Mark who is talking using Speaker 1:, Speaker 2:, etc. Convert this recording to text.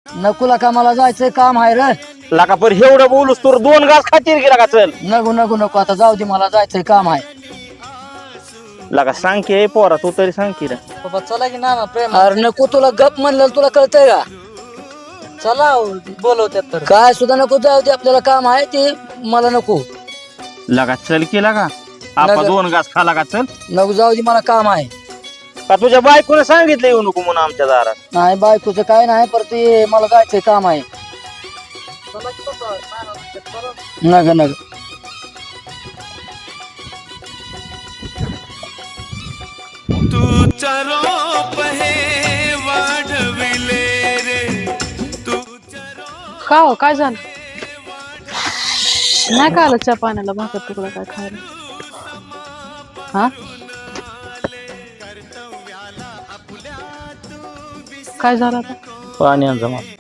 Speaker 1: नकुला का मला जायचंय काम आहे रे.
Speaker 2: लका पर एवढं बोलूस तर 2 घास खातील गेला का चल.
Speaker 1: नको नको नको आता जाऊ दे मला जायचंय काम आहे.
Speaker 2: लका सांग की पोरा तू तरी सांग की रे.
Speaker 3: बाबा चला की ना प्रेम.
Speaker 1: अरे नको तुला गप म्हणलं तुला कळतंय का.
Speaker 3: चला बोलवत्यात तर.
Speaker 1: काय सुद्धा नको जाऊ दे आपल्याला काम आहे ते मला नको.
Speaker 2: लगा चल केला का आपण 2 घास खाला का चल.
Speaker 1: नको जाऊ दे मला काम आहे.
Speaker 2: का तुझ्या बायकोने सांगितलं येऊ नको म्हणून आमच्या दारात.
Speaker 1: नाही बायकोचं काय नाही पर ते मला जायचंय काम आहे.
Speaker 3: चला की बाबा, नाना म्हणतात, चला.
Speaker 1: नग नग
Speaker 4: तूचा रोप हे वाढविले रे
Speaker 5: का हो काय झालं नाही का आलं चहा पाण्याला भाकर तुकडा काय खायला हा काय झालं आता
Speaker 2: पाणी आण जमा.